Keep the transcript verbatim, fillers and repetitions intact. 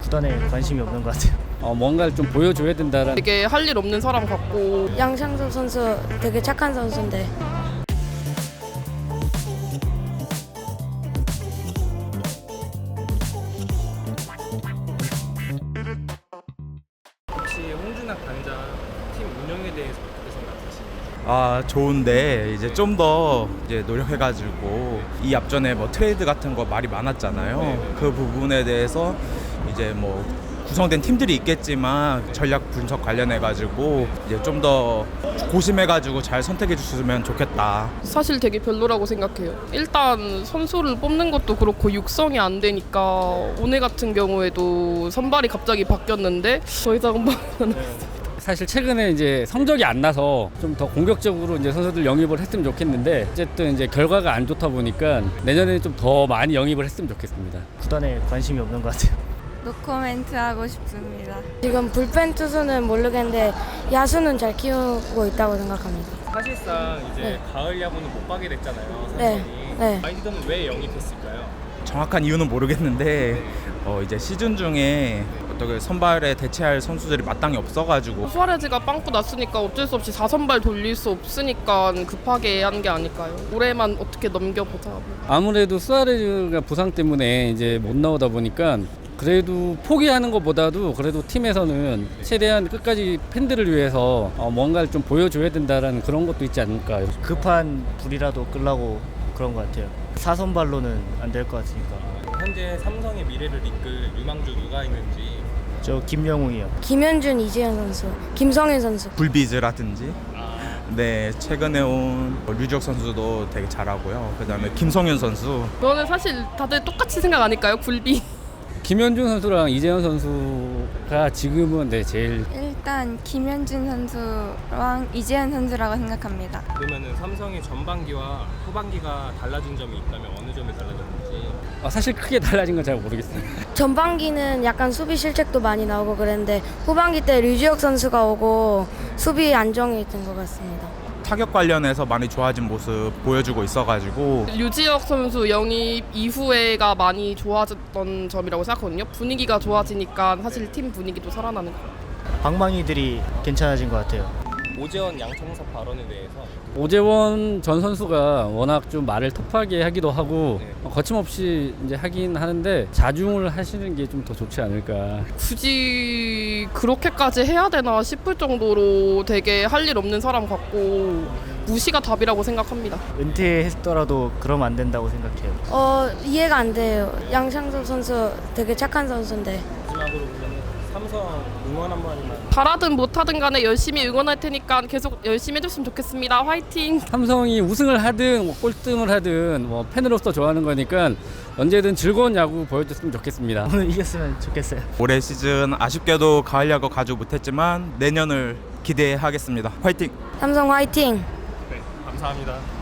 구단에 관심이 없는 것 같아요. 어, 뭔가를 좀 보여줘야 된다라는. 되게 할 일 없는 사람 같고. 양상섭 선수 되게 착한 선수인데 혹시 홍준학 단장 팀 운영에 대해서 어떻게 생각하시는지? 아 좋은데 이제 좀 더 이제 노력해가지고 이 앞전에 뭐 트레이드 같은 거 말이 많았잖아요. 네네. 그 부분에 대해서 이제 뭐 구성된 팀들이 있겠지만 전략 분석 관련해가지고 이제 좀 더 고심해가지고 잘 선택해 주셨으면 좋겠다. 사실 되게 별로라고 생각해요. 일단 선수를 뽑는 것도 그렇고 육성이 안 되니까 오늘 같은 경우에도 선발이 갑자기 바뀌었는데 더 이상 말은 사실 최근에 이제 성적이 안 나서 좀 더 공격적으로 이제 선수들 영입을 했으면 좋겠는데 어쨌든 이제 결과가 안 좋다 보니까 내년에 좀 더 많이 영입을 했으면 좋겠습니다. 구단에 관심이 없는 것 같아요. 노코멘트 하고 싶습니다. 지금 불펜 투수는 모르겠는데 야수는 잘 키우고 있다고 생각합니다. 사실상 이제 네. 가을 야구는 못 가게 됐잖아요. 네. 삼성이. 네. 아이디어는 왜 영입했을까요? 정확한 이유는 모르겠는데 어 이제 시즌 중에 어떻게 선발에 대체할 선수들이 마땅히 없어가지고 수아레즈가 빵꾸 났으니까 어쩔 수 없이 사 선발 돌릴 수 없으니까 급하게 한 게 아닐까요? 올해만 어떻게 넘겨보자. 아무래도 수아레즈가 부상 때문에 이제 못 나오다 보니까 그래도 포기하는 것보다도 그래도 팀에서는 최대한 끝까지 팬들을 위해서 어, 뭔가를 좀 보여줘야 된다라는 그런 것도 있지 않을까요? 급한 불이라도 끌라고 그런 것 같아요. 사선발로는 안 될 것 같으니까. 현재 삼성의 미래를 이끌 유망주 누가 있는지. 저 김영웅이요. 김현준, 이재현 선수, 김성현 선수. 불비즈라든지 네 최근에 온 류지혁 선수도 되게 잘하고요. 그다음에 김성현 선수 그거는 사실 다들 똑같이 생각 아닐까요? 굴비. 김현준 선수랑 이재현 선수가 지금은 네, 제일 일단 김현준 선수랑 이재현 선수라고 생각합니다. 그러면은 삼성의 전반기와 후반기가 달라진 점이 있다면 어느 점이 달라졌는지. 어, 사실 크게 달라진 건 잘 모르겠어요. 전반기는 약간 수비 실책도 많이 나오고 그랬는데 후반기 때 류지혁 선수가 오고 수비 안정이 된 것 같습니다. 타격 관련해서 많이 좋아진 모습 보여주고 있어가지고 류지혁 선수 영입 이후에가 많이 좋아졌던 점이라고 생각하거든요. 분위기가 좋아지니까 사실 팀 분위기도 살아나는 것 같아요. 방망이들이 괜찮아진 것 같아요. 오재원 양청섭 발언에 대해서. 오재원 전 선수가 워낙 좀 말을 터프하게 하기도 하고 네. 어, 거침없이 이제 하긴 하는데 자중을 하시는 게 좀 더 좋지 않을까. 굳이 그렇게까지 해야 되나 싶을 정도로 되게 할 일 없는 사람 같고 무시가 답이라고 생각합니다. 은퇴했더라도 그러면 안 된다고 생각해요. 어 이해가 안 돼요. 양상섭 선수 되게 착한 선수인데 마지막으로 그러면 삼성 응원 한 번만. 잘하든 못하든 간에 열심히 응원할 테니까 계속 열심히 해줬으면 좋겠습니다. 화이팅! 삼성이 우승을 하든 뭐 꼴등을 하든 뭐 팬으로서 좋아하는 거니까 언제든 즐거운 야구 보여줬으면 좋겠습니다. 오늘 이겼으면 좋겠어요. 올해 시즌 아쉽게도 가을 야구 가지 못했지만 내년을 기대하겠습니다. 화이팅! 삼성 화이팅! 네, 감사합니다.